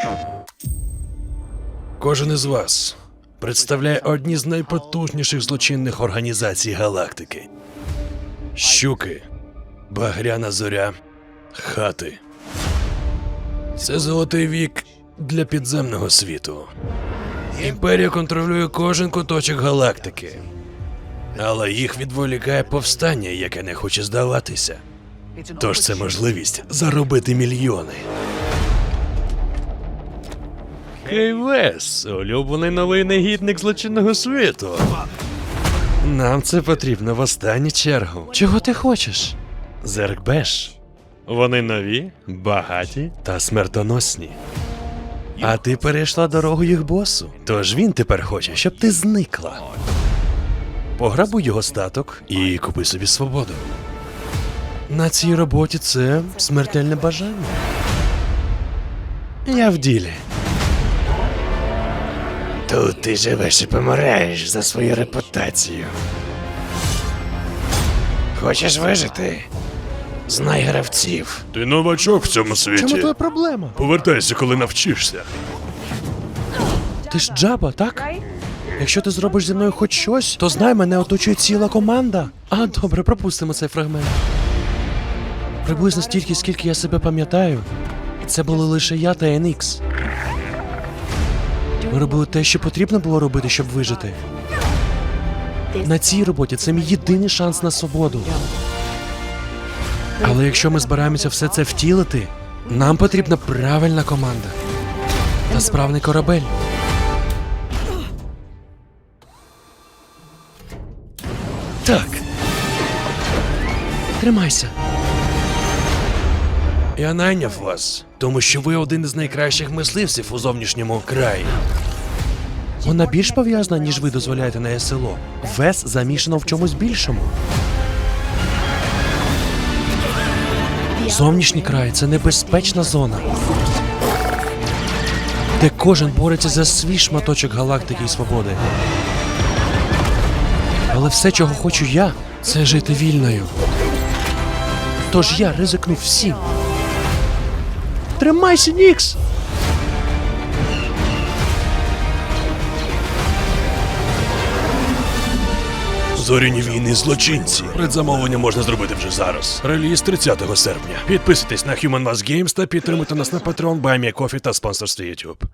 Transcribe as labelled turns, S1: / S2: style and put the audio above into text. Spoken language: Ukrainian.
S1: Кожен із вас представляє одні з найпотужніших злочинних організацій галактики. Щуки, Багряна зоря, Хати. Це золотий вік для підземного світу. Імперія контролює кожен куточок галактики. Але їх відволікає повстання, яке не хоче здаватися. Тож це можливість заробити мільйони. Кейвес, улюблений новий негідник злочинного світу. Нам це потрібно в останню чергу. Чого ти хочеш? Зеркбеш. Вони нові, багаті та смертоносні. А ти перейшла дорогу їх босу. Тож він тепер хоче, щоб ти зникла. Пограбуй його статок і купи собі свободу. На цій роботі це смертельне бажання. Я в ділі. Тут ти живеш і помираєш за свою репутацію. Хочеш вижити? Знай гравців. Ти новачок в цьому світі.
S2: Чому твоя проблема?
S1: Повертайся, коли навчишся.
S2: Ти ж Джаба, так? Якщо ти зробиш зі мною хоч щось, то знай, мене оточує ціла команда. А, добре, пропустимо цей фрагмент. Приблизно стільки, скільки я себе пам'ятаю, це були лише я та NX. Ми робили те, що потрібно було робити, щоб вижити. На цій роботі це мій єдиний шанс на свободу. Але якщо ми збираємося все це втілити, нам потрібна правильна команда та справний корабель.
S1: Так.
S2: Тримайся.
S1: Я найняв вас, тому що ви один із найкращих мисливців у зовнішньому краї.
S2: Вона більш пов'язана, ніж ви дозволяєте на СЛО. ВЕС замішано в чомусь більшому. Зовнішній край – це небезпечна зона, де кожен бореться за свій шматочок галактики і свободи. Але все, чого хочу я, це жити вільною. Тож я ризикну всім. Тримайся, Нікс!
S1: Зоряні війни злочинці. Предзамовлення можна зробити вже зараз. Реліз 30 серпня. Підписуйтесь на Human Mass Games та підтримуйте нас на Patreon, Buy Me a Coffee та спонсорстві YouTube.